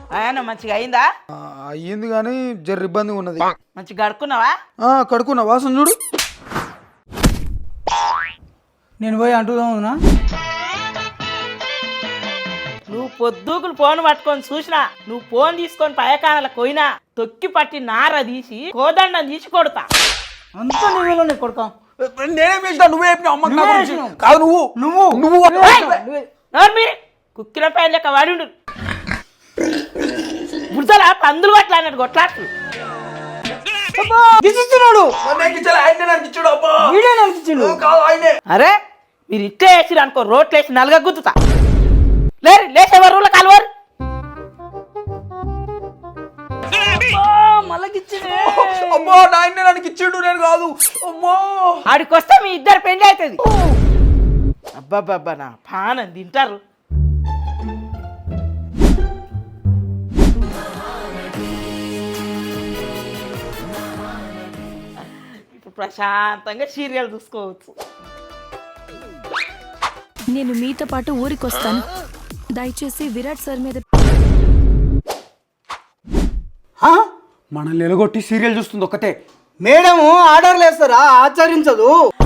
ఆయన మంచిగా అయిందా? అయ్యింది కానీ జర ఇబ్బందిగా ఉన్నది. మంచిగా కడుక్కున్నావా? కడుక్కున్నా, వాసన చూడు. నేను పోయి అంటున్నా. నువ్వు పొద్దుకులు ఫోన్ పట్టుకొని చూసినా, నువ్వు ఫోన్ తీసుకొని పయకానాలకు పోయినా తొక్కి పట్టి నార తీసి కోదండం తీసి కొడతా. అంతా నువ్వేలో కొడుకా. నేనేం చేసినా? నువ్వే చెప్పిన అమ్మకి నా గురించి. కాదు నువ్వు నువ్వు నువ్వు నోరు మీరు కుక్కిన పైన లెక్క వాడు బుడతలా పందులు కొట్లాడినట్టు కొట్లాట్లు. గిస్తున్నాడు. వీడే నడిపించిండు. అరే మీరు ఇట్టే వేసిరు అనుకో, రోట్లు వేసి నలుగా గుద్దుతా. లేరు లేచేవారు ఊళ్ళో కలవారు. అమ్మో నాయన నాకు ఇచ్చిండు, నేను కాదు. అమ్మో ఆడికి వస్తే మీ ఇద్దరు పెళ్లి అవుతుంది. అబ్బాబ్బా నా పానం తింటారు. ఇప్పుడు ప్రశాంతంగా సీరియల్ చూసుకోవచ్చు. నేను మీతో పాటు ఊరికి వస్తాను. దయచేసి విరాట్ సార్ మీద మనల్ని ఎలగొట్టి సీరియల్ చూస్తుంది ఒక్కతే. మేడం ఆర్డర్లు వేస్తారా? ఆచరించదు.